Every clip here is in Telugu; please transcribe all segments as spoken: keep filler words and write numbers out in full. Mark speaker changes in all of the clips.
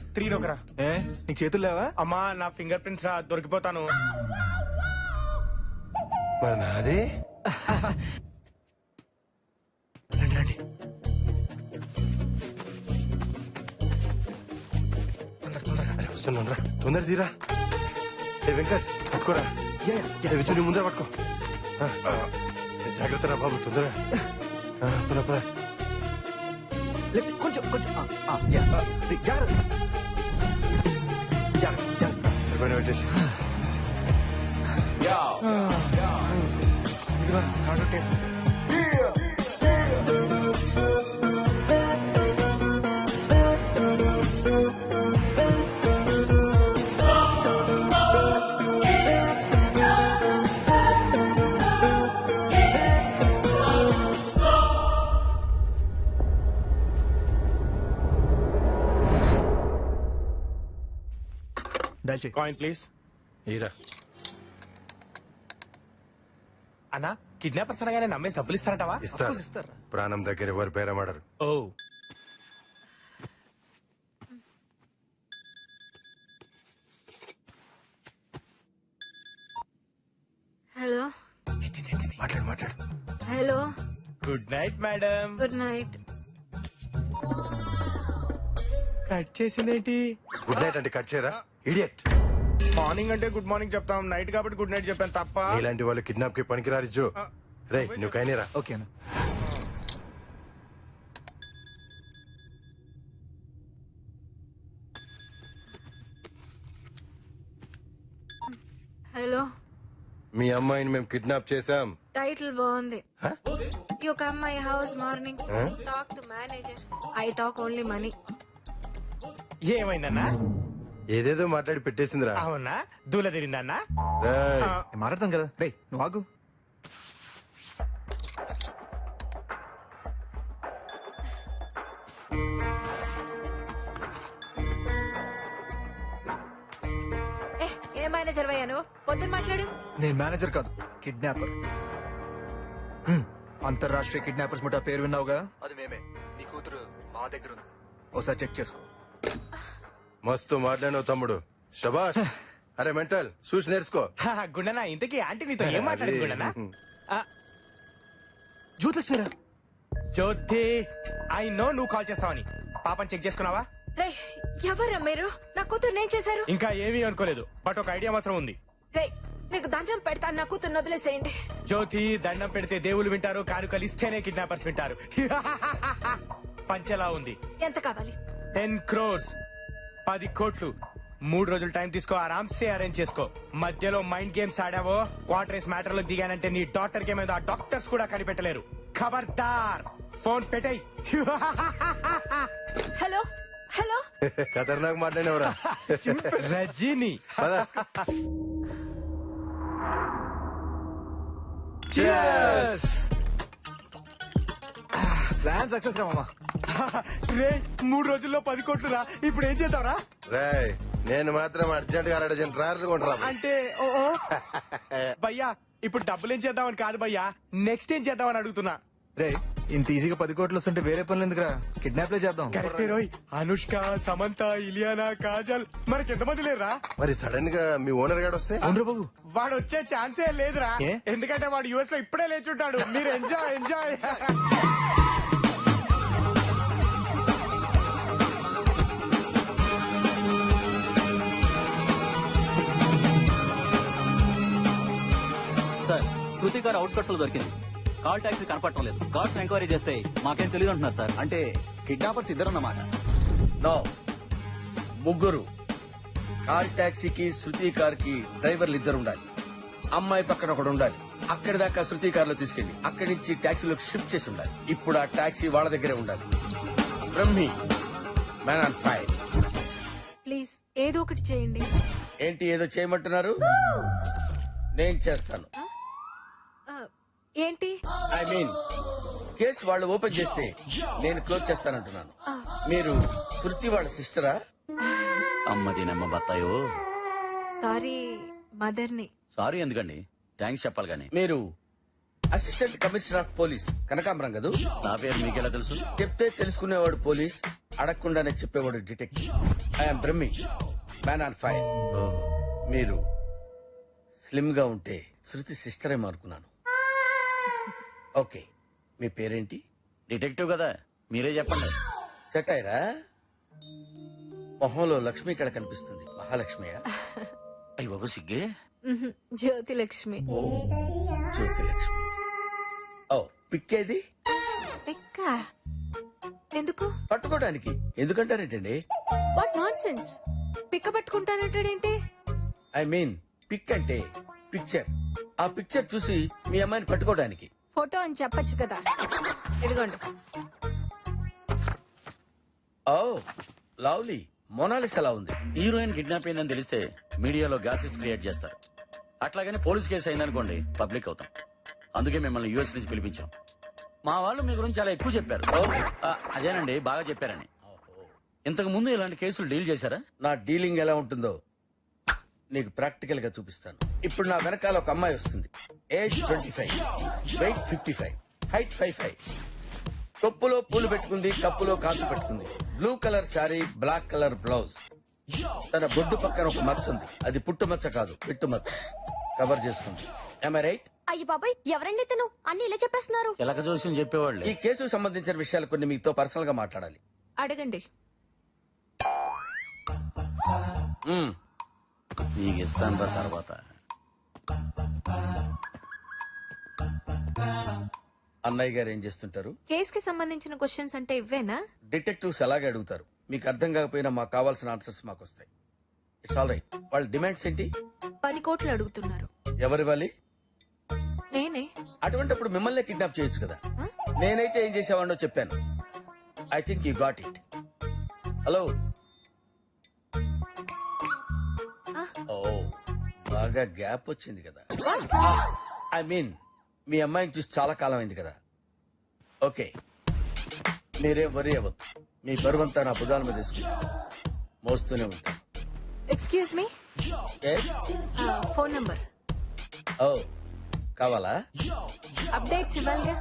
Speaker 1: త్రీ నొకరా.
Speaker 2: ఏ నీకు చేతులు లేవా?
Speaker 1: అమ్మా నా ఫింగర్ ప్రింట్స్ రా, దొరికిపోతాను.
Speaker 3: మరి నాది
Speaker 1: రండి రండి. తొందర తొందరగా.
Speaker 3: అరే వస్తున్నాను రా, తొందర తీరా. ఏ వెంకట్ పట్టుకోరా. ఏ విచ్చు నీ ముందర పట్టుకో. ఆ, ఆ, ఏ జాగ్రత్త రా బాబు, తొందరగా. ఆ, పద పద.
Speaker 2: లే- కొంచెం కొంచెం ఆ, ఆ, యా, ఆ, రే, జాగ్రత్త జాగ్రత్త జాగ్రత్త.
Speaker 3: సరిపోయిన పెట్టేసి.
Speaker 1: ఇదిగో థర్డ్ టేప్.
Speaker 2: డైల్ చెయ్.
Speaker 1: Coin please.
Speaker 3: ఈరా.
Speaker 1: అన్నా కిడ్నాపర్స్ అనగానే నమ్మేసి డబ్బులు ఇస్తారంటావా?
Speaker 3: ఇస్తారు.
Speaker 2: course ఇస్తారా?
Speaker 3: ప్రాణం దగ్గర ఎవరు బేరమాడరు.
Speaker 1: ఓ
Speaker 4: హలో
Speaker 3: మాట్లాడు మాట్లాడు.
Speaker 4: Hello
Speaker 1: good night madam.
Speaker 4: Good night.
Speaker 1: Cut చేసిందేంటి?
Speaker 3: గుడ్ నైట్ అంటే కట్ చేయరా ఇడియట్.
Speaker 1: మార్నింగ్ అంటే గుడ్ మార్నింగ్ చెప్తాం, నైట్ కాబట్టి గుడ్ నైట్ చెప్పాను తప్ప.
Speaker 3: ఇలాంటి వాళ్ళు కిడ్నాప్ కి పనికిరారు జో. రే నువ్వు కైనేరా.
Speaker 2: ఓకేనా?
Speaker 4: హలో
Speaker 3: మీ అమ్మాయిని మేము కిడ్నాప్ చేశాం.
Speaker 4: టైటిల్ బాగుంది.
Speaker 3: హ?
Speaker 4: You come my house morning
Speaker 3: Huh?
Speaker 4: Talk to manager. I talk only money.
Speaker 1: ఏమైందన్నా?
Speaker 3: ఏదేదో మాట్లాడి పెట్టేసిందిరా.
Speaker 1: అవునా? దూల తిరిందన్నా?
Speaker 3: రేయ్,
Speaker 2: నేను మాట్లాడతాను కదా. రే నువ్వు ఆగు.
Speaker 4: ఏ ఏ మేనేజర్ అయ్యా నువ్వు? పొద్దున్న మాట్లాడు.
Speaker 2: నేను మేనేజర్ కాదు, కిడ్నాపర్. హ్మ్, అంతర్రాష్ట్రీయ కిడ్నాపర్స్ ముఠా పేరు విన్నావుగా, అది మేమే. నీ కూతురు మా దగ్గర ఉంది, ఒకసారి చెక్ చేసుకో.
Speaker 3: మస్తు మాట్లాడినావు తమ్ముడు, శబాష్. అరే మెంటల్ చూసి నేర్చుకో.
Speaker 1: హా, గుండనా ఇంతకీ ఆంటీ నీతో ఏం మాట్లాడింది గుండనా?
Speaker 2: జ్యోతిలక్ష్మిరా.
Speaker 1: జ్యోతి, ఐ నో నువ్వు కాల్ చేస్తావని. పాపని చెక్ చేసుకున్నావా?
Speaker 4: రే ఎవరా మీరు? నా కూతురు నేను చేశారు.
Speaker 1: ఇంకా ఏమీ అనుకోలేదు, బట్ ఒక ఐడియా మాత్రం ఉంది.
Speaker 4: రే మీకు దండం పెడతాను, నా కూతురు వదిలేసేయండి.
Speaker 1: జ్యోతి, దండం పెడితే దేవుళ్ళు వింటారు, కానుకలు ఇస్తేనే కిడ్నాపర్స్ వింటారు. పంచెలా ఉంది.
Speaker 4: ఎంత కావాలి?
Speaker 1: టెన్ క్రోర్స్, పది కోట్లు. మూడు రోజులు టైం తీసుకో, ఆరామ్సే అరేంజ్ చేసుకో. మధ్యలో మైండ్ గేమ్స్ ఆడావో, క్వార్టర్స్ మ్యాటర్ లో దిగానంటే నీ డాక్టర్ కి ఏమైందో ఆ డాక్టర్స్ కూడా కనిపెట్టలేరు. ఖబర్దార్, ఫోన్ పెట్టేయ్.
Speaker 4: హలో హలో
Speaker 3: ఖతర్నాక్ మాట్లాడినవరా.
Speaker 1: రజనీ.
Speaker 2: ప్లాన్ సక్సెస్ రా మామా.
Speaker 1: రే మూడు రోజుల్లో పది కోట్లు రా, ఇప్పుడు ఏం చేద్దాంరా?
Speaker 3: రాయ్ నేను మాత్రం అర్జెంట్ గా అర్జెంట్ ట్రాక్టర్ కొంటరా.
Speaker 1: అంటే ఓ ఓ. భయ్యా ఇప్పుడు డబ్బులు ఏం చేద్దామని కాదు భయ్యా, నెక్స్ట్ ఏం చేద్దామని అడుగుతున్నా.
Speaker 2: రే ఇంత ఈజీగా పది కోట్లు వస్తుంటే వేరే పనులు ఎందుకురా, కిడ్నాప్ లే చేద్దాం.
Speaker 1: కరెక్టే రోయ్. అనుష్క, సమంత, ఇలియానా, కాజల్, మనకి ఎంతమంది లేరా?
Speaker 3: మరి సడన్ గా మీ ఓనర్ గాడు వస్తే
Speaker 2: అవును బాబు.
Speaker 1: వాడు వచ్చే ఛాన్సే లేదురా,
Speaker 2: ఏ?
Speaker 1: ఎందుకంటే వాడు యుఎస్ లో ఇప్పుడే లేచుంటాడు. మీరు ఎంజాయ్ ఎంజాయ్.
Speaker 5: సార్ శృతి గారు అవుట్స్కట్స్ లో దొరికింది. కాల్ టాక్సీ కనపడటం లేదు. కార్స్ ఎంక్వైరీ చేస్తే మాకేం తెలియదు అంటున్నారు సార్.
Speaker 6: అంటే కిడ్నాపర్స్ ఇద్దరన్నమాట. నో, ముగ్గురు. కార్ టాక్సీకి శృతి కార్ కి డ్రైవర్లు ఇద్దరు ఉండాలి. అమ్మాయి పక్కన ఒకడు ఉండాలి. అక్కడి దాకా శృతి కార్ లో తీసుకెళ్లి అక్కడి నుంచి టాక్సీలోకి షిఫ్ట్ చేసి ఉండాలి. ఇప్పుడు ఆ టాక్సీ వాళ్ళ దగ్గరే ఉండాలి. Brahmi, man on fire.
Speaker 4: Please ఏదో ఒకటి చేయండి.
Speaker 6: ఏంటి ఏదో చేయమంటున్నారు? నేను చేస్తాను.
Speaker 4: ఆ, ఏంటి?
Speaker 6: ఐ మీన్ కేసు వాళ్ళు ఓపెన్ చేస్తే నేను క్లోజ్ చేస్తానంటున్నాను. మీరు శృతి వాళ్ళ సిస్టరా?
Speaker 5: అమ్మది నమ్మ బత్తాయో.
Speaker 4: సారీ మదర్ని.
Speaker 5: సారీ ఎందుకండి, థ్యాంక్స్ చెప్పాలి గానీ.
Speaker 6: మీరు అసిస్టెంట్ కమిషనర్ ఆఫ్ పోలీస్ కనకాంబరం కదూ?
Speaker 5: నా పేరు మీకెలా తెలుసు?
Speaker 6: చెప్తే తెలుసుకునేవాడు పోలీస్, అడగకుండానే చెప్పేవాడు detective. I'm Brahmi man on fire. మీరు స్లిమ్ గా ఉంటే శృతి సిస్టర్ ఏమో అనుకున్నాను. ఓకే, మీ పేరేంటి?
Speaker 5: డిటెక్టివ్ కదా, మీరే చెప్పండి.
Speaker 6: సెట్ అయ్యరా? మొహంలో లక్ష్మి ఇక్కడ కనిపిస్తుంది. మహాలక్ష్మియా?
Speaker 5: అయ్యి బాబు సిగ్గే.
Speaker 4: మ్హూ, జ్యోతి లక్ష్మి.
Speaker 6: జ్యోతి లక్ష్మి. ఓ పిక్కేది?
Speaker 4: పిక్క ఎందుకు?
Speaker 6: పట్టుకోవడానికి. ఎందుకంటారేంటండి?
Speaker 4: What nonsense. పిక్క పట్టుకుంటానంటాడేంటి?
Speaker 6: ఐ మీన్ పిక్ అంటే పిక్చర్. ఆ పిక్చర్ చూసి మీ అమ్మాయిని పట్టుకోవడానికి.
Speaker 4: ఫోటో అని చెప్పొచ్చు కదా. ఇదిగోండి.
Speaker 6: Oh lovely. మొనాలిస్ ఎలా ఉంది?
Speaker 5: హీరోయిన్ కిడ్నాప్ అయిందని తెలిస్తే మీడియాలో గాసిప్ క్రియేట్ చేస్తారు. అట్లాగని పోలీస్ కేసు అయిందనుకోండి పబ్లిక్ అవుతాం. అందుకే మిమ్మల్ని యూఎస్ నుంచి పిలిపించాం. మా వాళ్ళు మీ గురించి చాలా ఎక్కువ చెప్పారు. ఆ, అదేనండి, బాగా చెప్పారని. ఇంతకు ముందు ఇలాంటి కేసులు డీల్ చేశారా?
Speaker 6: నా డీలింగ్ ఎలా ఉంటుందో నీకు ప్రాక్టికల్ గా చూపిస్తాను. ఇప్పుడు నా వెనకాల ఒక అమ్మాయి వస్తుంది. Age twenty five, weight fifty five, height five five. కొప్పులో పూలు పెట్టుకుంది, కప్పులో కాసు పెట్టుకుంది. Blue colour sari, black colour blouse. తన బొడ్డు పక్కన ఒక మచ్చ ఉంది. అది పుట్టు మచ్చ కాదు, పిట్టు మచ్చ. కవర్ చేసుకుంది. Am I right?
Speaker 4: అయ్యి బాబాయ్, ఎవరండి తను? అన్ని ఇలా చెప్పేస్తున్నారు.
Speaker 5: ఎలక జోస్యం చెప్పేవాళ్ళే.
Speaker 6: ఈ కేసుకు సంబంధించిన విషయాలు కొన్ని మీతో పర్సనల్ గా మాట్లాడాలి.
Speaker 4: అడగండి.
Speaker 6: మ్మ్.
Speaker 5: నీకు ఇస్తాను రా తర్వాత.
Speaker 6: అన్నయ్య గారు ఏం చేస్తుంటారు?
Speaker 4: కేస్ కి సంబంధించిన క్వశ్చన్స్ అంటే ఇవ్వేనా?
Speaker 6: డిటెక్టివ్స్ అలాగే అడుగుతారు. మీకు అర్థం కాకపోయినా మాకు కావాల్సిన ఆన్సర్స్ మాకు వస్తాయి. It's all right. వాళ్ళ డిమాండ్స్ ఏంటి?
Speaker 4: పది కోట్లు అడుగుతున్నారు.
Speaker 6: ఎవరివ్వాలి?
Speaker 4: నేనే.
Speaker 6: అటువంటిప్పుడు మిమ్మల్ని కిడ్నాప్ చేయొచ్చు కదా.
Speaker 4: ఆ?
Speaker 6: నేనైతే ఏం చేసేవాడినో చెప్పాను. I think you got it. Hello.
Speaker 4: ఆ.
Speaker 6: ఓ బాగా గ్యాప్ వచ్చింది కదా. ఐ మీన్ మీ అమ్మాయిని చూసి చాలా కాలం అయింది కదా. ఓకే, మీరేం వరి అవ్వద్దు. మీ బరువంతా నా భుజాల మీద తీసుకుంటా మోస్తూనే ఉంటాను.
Speaker 4: Excuse me.
Speaker 6: Yes?
Speaker 4: Phone number.
Speaker 6: ఓ కావాలా?
Speaker 4: అప్డేట్స్ ఇవ్వాలిగా.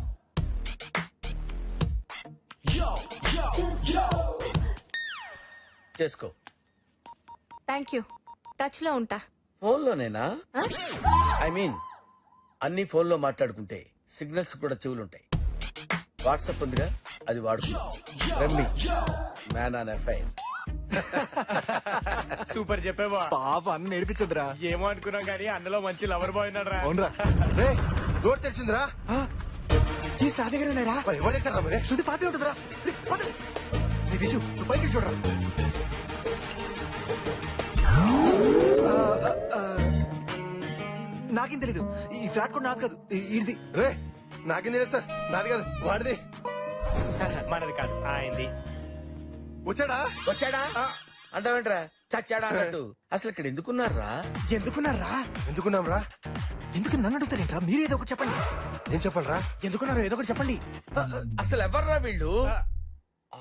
Speaker 6: చేసుకో.
Speaker 4: Thank you. టచ్ లో ఉంటా.
Speaker 6: ఫోన్లోనేనా?
Speaker 4: ఆ?
Speaker 6: ఐ మీన్ అన్ని ఫోన్లో మాట్లాడుకుంటే సిగ్నల్స్ కూడా చెవులుంటాయి. వాట్సాప్ ఉందిగా, అది వాడుకుందాం. రమ్మి మ్యాన్ ఆన్ ఎఫ్ఐఆర్.
Speaker 1: సూపర్ చెప్పేవా.
Speaker 2: పాప అన్న నేర్పించదురా.
Speaker 1: ఏమో అనుకున్నాం కానీ అన్నలో మంచి లవర్ బాయ్ ఉన్నాడు రా.
Speaker 2: అవునరా?
Speaker 3: రే డోర్ తెరిచిందిరా.
Speaker 1: కీస్ నా దగ్గర ఉన్నారా?
Speaker 3: మరి ఎవరు తెచ్చారా మరి?
Speaker 2: శృతి పాటే ఉంటుందిరా. రే, పద. రే, విజు, నువ్వు పైకి వెళ్ళి చూడరా. ఆ, ఆ, ఆ, నాకేం తెలీదు. ఈ ఫ్లాట్ కూడా నాది కాదు, ఈ- ఈడిది.
Speaker 3: రే నాకేం తెలియదు సార్. నాది కాదు, వాడిది.
Speaker 1: మనది కాదు, ఆయనది.
Speaker 3: వచ్చాడా?
Speaker 6: వచ్చాడా అంటావేంట్రా? చచ్చాడా అన్నట్టు. అసలు ఇక్కడ ఎందుకున్నారా?
Speaker 1: ఎందుకున్నారా?
Speaker 3: ఎందుకున్నాం రా?
Speaker 2: ఎందుకు నన్ను అడుగుతారేంట్రా? మీరేదో ఒకటి చెప్పండి.
Speaker 3: ఏం చెప్పాలరా?
Speaker 1: ఎందుకున్నారు? ఏదో ఒకటి చెప్పండి.
Speaker 6: అసలు ఎవర్రా వీళ్ళు? ఆ,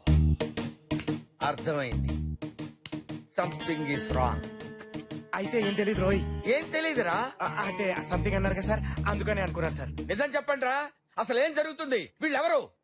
Speaker 6: అర్థమైంది. Something is wrong.
Speaker 1: అయితే ఏం తెలియదు రోయ్.
Speaker 6: ఏం తెలీదురా?
Speaker 1: ఆ, అంటే సంథింగ్ అన్నారు కదా సార్, అందుకనే అనుకున్నారు సార్.
Speaker 6: నిజం చెప్పండి రా, అసలు ఏం జరుగుతుంది? వీళ్ళెవరు?